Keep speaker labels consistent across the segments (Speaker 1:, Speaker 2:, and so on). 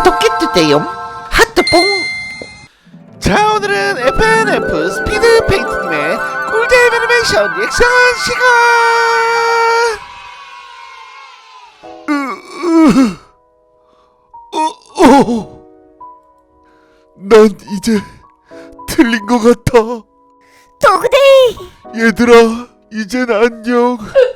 Speaker 1: 구독해주세요. 하트뽕. 자, 오늘은 FNF 스피드 페인트님의 꿀잼 애니메이션 리액션 시간.
Speaker 2: 난 이제 틀린 것 같아.
Speaker 3: 도그데이!
Speaker 2: 얘들아, 이젠 안녕.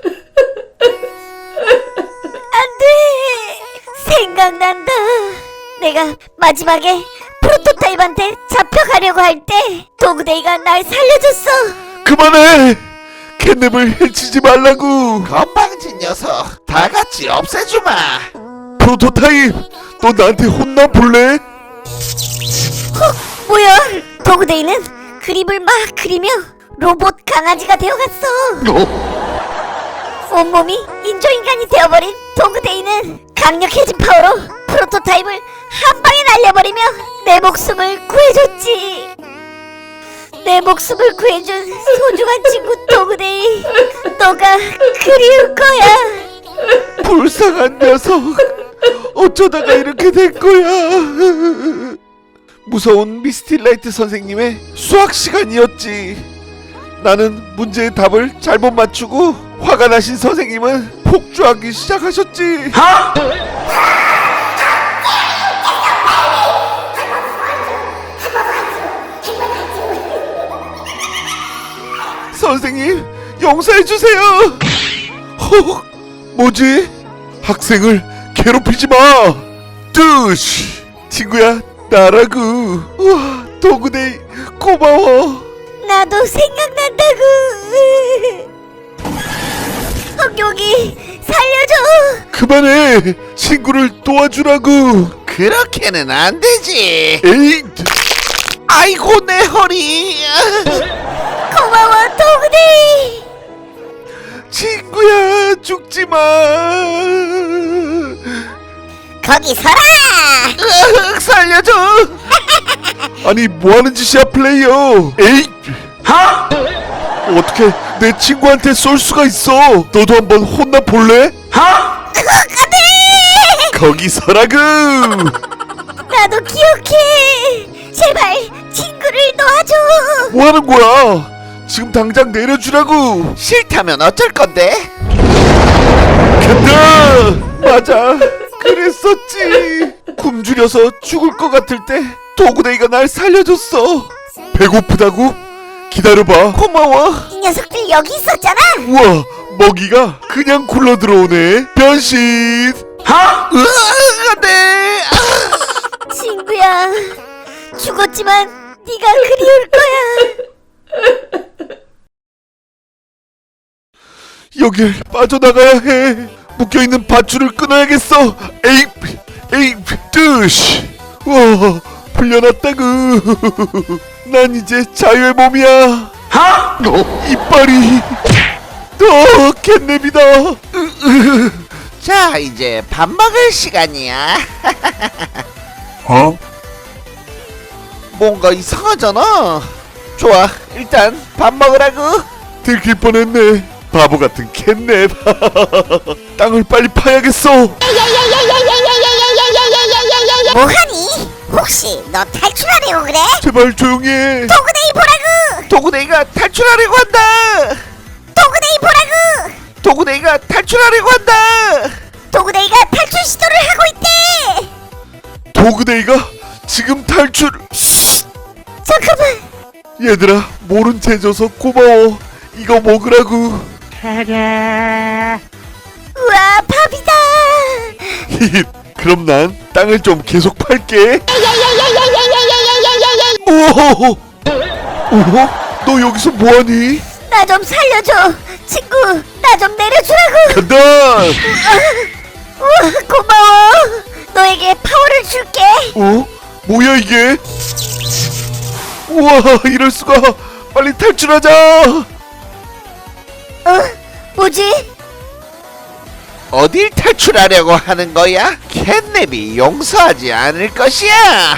Speaker 3: 안돼! 생각난다. 내가 마지막에 프로토타입한테 잡혀가려고 할 때 도그데이가 날 살려줬어.
Speaker 2: 그만해. 캣냅을 해치지 말라고.
Speaker 1: 건방진 녀석, 다 같이 없애주마.
Speaker 2: 프로토타입, 너 나한테 혼나 볼래?
Speaker 3: 뭐야? 도그데이는 그림을 막 그리며 로봇 강아지가 되어갔어. 온몸이 인조인간이 되어버린 도그데이는 강력해진 파워로 프로토타입을 한 방에 날려버리며 내 목숨을 구해줬지. 내 목숨을 구해준 소중한 친구 도그데이, 너가 그리울 거야.
Speaker 2: 불쌍한 녀석, 어쩌다가 이렇게 된 거야. 무서운 미스틸라이트 선생님의 수학 시간이었지. 나는 문제의 답을 잘못 맞추고 화가 나신 선생님은 폭주하기 시작하셨지. 선생님, 용서해주세요. 헉, 뭐지? 학생을 괴롭히지 마. 뜨시, 친구야, 나라고. 우와, 도그데이 고마워.
Speaker 3: 나도 생각난다고. 여기 살려줘.
Speaker 2: 그만해. 친구를 도와주라고.
Speaker 1: 그렇게는 안 되지.
Speaker 2: 에이,
Speaker 1: 아이고, 내 허리.
Speaker 3: 고마워 도그데이.
Speaker 2: 친구야, 죽지 마.
Speaker 3: 거기 서라.
Speaker 1: 살려줘.
Speaker 2: 아니, 뭐 하는 짓이야, 플레이어. 에이, 어떻게 내 친구한테 쏠 수가 있어? 너도 한번 혼나 볼래?
Speaker 3: 안돼.
Speaker 2: 거기 서라고.
Speaker 3: 나도 기억해. 제발 친구를 놔줘.
Speaker 2: 뭐 하는 거야? 지금 당장 내려주라고.
Speaker 1: 싫다면 어쩔 건데?
Speaker 2: 간다. 맞아, 그랬었지. 굶주려서 죽을 것 같을 때 도그데이가 날 살려줬어. 배고프다고? 기다려봐.
Speaker 1: 고마워.
Speaker 3: 이 녀석들 여기 있었잖아.
Speaker 2: 우와, 먹이가 그냥 굴러 들어오네. 변신.
Speaker 1: 안돼.
Speaker 3: 친구야, 죽었지만 네가 그리울 거야.
Speaker 2: 여길 빠져나가야 해. 묶여있는 밧줄을 끊어야겠어. 에이, 뜨시. 와, 풀려났다구. 난 이제 자유의 몸이야. 이빨이. 캣냅이다.
Speaker 1: 자, 이제 밥 먹을 시간이야. 뭔가 이상하잖아. 좋아, 일단 밥 먹으라고.
Speaker 2: 들킬 뻔했네. 바보 같은 캣냅. 땅을 빨리 파야겠어.
Speaker 3: 뭐하니? 혹시 너 탈출하려고 그래?
Speaker 2: 제발 조용히 해.
Speaker 3: 도그데이 보라고.
Speaker 1: 도그데이가 탈출하려고 한다.
Speaker 3: 도그데이 보라고.
Speaker 1: 도그데이가 탈출하려고 한다.
Speaker 3: 도그데이가 탈출 시도를 하고 있대.
Speaker 2: 도그데이가 지금 탈출.
Speaker 3: 잠깐만.
Speaker 2: 얘들아, 모른 체 줘서 고마워. 이거 먹으라고.
Speaker 3: 우와, 밥이다.
Speaker 2: 히히. 그럼 난 땅을 좀 계속 팔게. 오호호. 오호? 너 여기서 뭐하니?
Speaker 3: 나 좀 살려줘. 친구, 나 좀 내려주라고.
Speaker 2: 간다.
Speaker 3: 우와, 고마워. 너에게 파워를 줄게.
Speaker 2: 어? 뭐야 이게? 우와, 이럴 수가. 빨리 탈출하자.
Speaker 3: 뭐지?
Speaker 1: 어딜 탈출하려고 하는 거야? 캣냅이 용서하지 않을 것이야.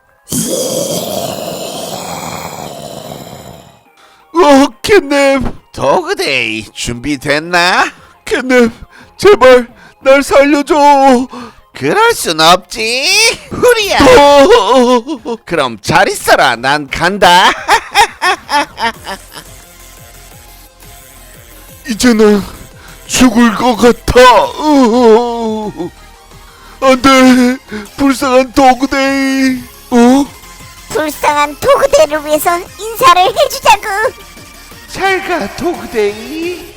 Speaker 2: 캣냅,
Speaker 1: 도그데이 준비됐나?
Speaker 2: 캣넵, 제발 날 살려줘.
Speaker 1: 그럴 순 없지. 후리야. 그럼 잘 있어라. 난 간다.
Speaker 2: 이제 난 죽을 것 같아. 안돼, 불쌍한 도그데이.
Speaker 3: 불쌍한 도그데이를 위해서 인사를 해주자구.
Speaker 1: 잘가 도그데이.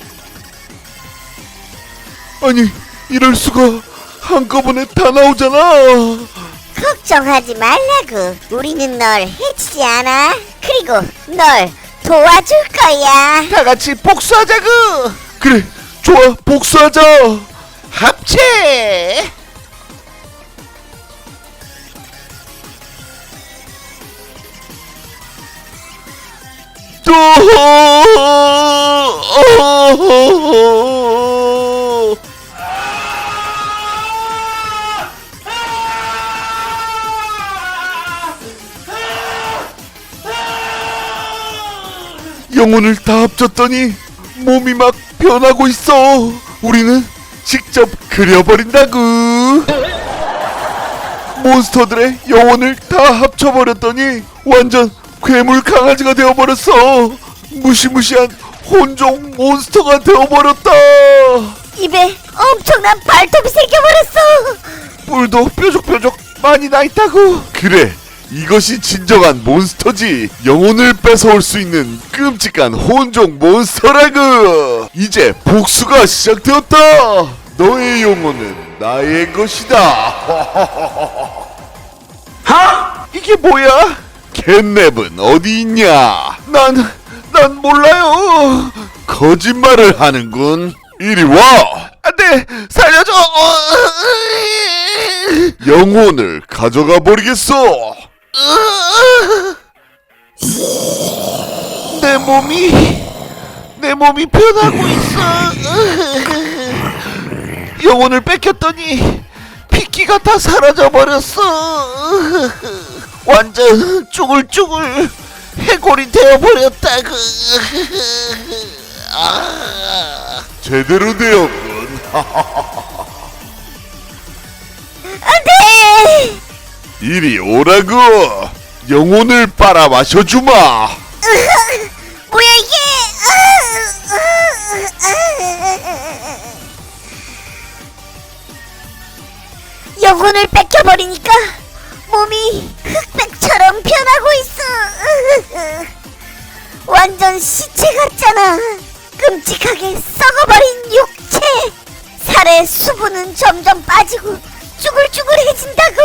Speaker 2: 아니, 이럴 수가. 한꺼번에 다 나오잖아.
Speaker 3: 걱정하지 말라구. 우리는 널 해치지 않아. 그리고 널 도와줄 거야.
Speaker 1: 다 같이 복수하자구.
Speaker 2: 그래, 좋아, 복수하자.
Speaker 1: 합체.
Speaker 2: 또 영혼을 다 합쳤더니 몸이 막 변하고 있어. 우리는 직접 그려버린다구. 몬스터들의 영혼을 다 합쳐버렸더니 완전 괴물 강아지가 되어버렸어. 무시무시한 혼종 몬스터가 되어버렸다.
Speaker 3: 입에 엄청난 발톱이 생겨버렸어.
Speaker 1: 뿔도 뾰족뾰족 많이 나있다구.
Speaker 2: 그래, 이것이 진정한 몬스터지. 영혼을 뺏어올 수 있는 끔찍한 혼종 몬스터라구. 이제 복수가 시작되었다. 너의 영혼은 나의 것이다.
Speaker 1: 이게 뭐야?
Speaker 2: 캣냅은 어디 있냐? 난 몰라요. 거짓말을 하는군. 이리 와.
Speaker 1: 안돼, 살려줘.
Speaker 2: 영혼을 가져가 버리겠어.
Speaker 1: 내 몸이 변하고 있어. 영혼을 뺏겼더니 피키가 다 사라져 버렸어. 완전 쭈글쭈글 해골이 되어 버렸다구.
Speaker 2: 제대로 되었군.
Speaker 3: 안돼.
Speaker 2: 이리 오라고. 영혼을 빨아 마셔주마.
Speaker 3: 뭐야 이게? 영혼을 뺏겨버리니까 몸이 흑백처럼 변하고 있어. 완전 시체 같잖아. 끔찍하게 썩어버린 육체. 살의 수분은 점점 빠지고 쭈글쭈글해진다고.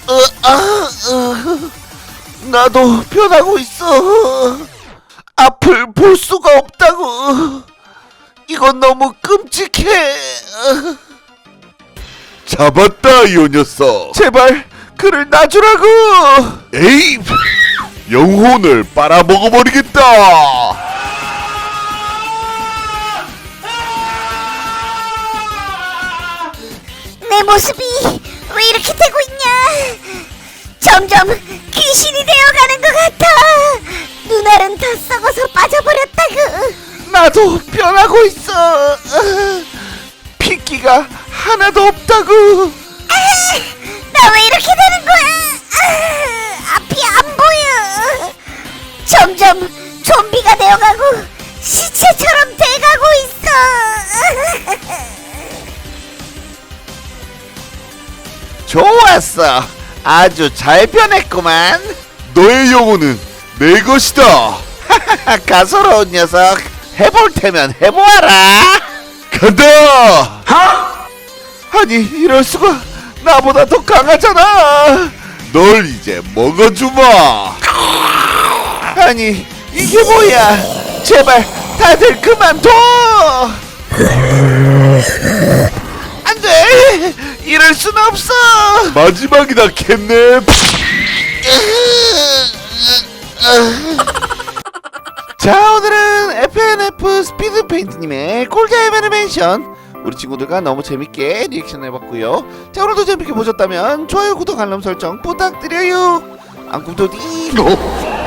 Speaker 1: 나도 변하고 있어. 앞을 볼 수가 없다고. 이건 너무 끔찍해.
Speaker 2: 잡았다, 요 녀석.
Speaker 1: 제발 그를 놔주라고.
Speaker 2: 에이, 영혼을 빨아 먹어버리겠다.
Speaker 3: 내 모습이 왜 이렇게 되고 있냐? 점점 귀신이 되어가는 것 같아. 눈알은 다 썩어서 빠져버렸다구.
Speaker 1: 나도 변하고 있어. 피끼가 하나도 없다고.
Speaker 3: 나 왜 이렇게 되는 거야? 앞이 안 보여. 점점 좀비가 되어가고 시체처럼 돼가고 있어.
Speaker 1: 좋았어. 아주 잘 변했구만.
Speaker 2: 너의 영혼은 내 것이다.
Speaker 1: 가소로운 녀석. 해볼 테면 해보아라.
Speaker 2: 간다.
Speaker 1: 아니 이럴 수가. 나보다 더 강하잖아.
Speaker 2: 널 이제 먹어주마.
Speaker 1: 아니 이게 뭐야. 제발 다들 그만둬. 안돼. 이럴 순 없어.
Speaker 2: 마지막이다, 캣냅.
Speaker 1: 자, 오늘은 FNF 스피드 페인트님의 콜타임 애니메이션 우리 친구들과 너무 재밌게 리액션 해봤고요. 자, 오늘도 재밌게 보셨다면 좋아요, 구독, 알람 설정 부탁드려요. 안꿈토디.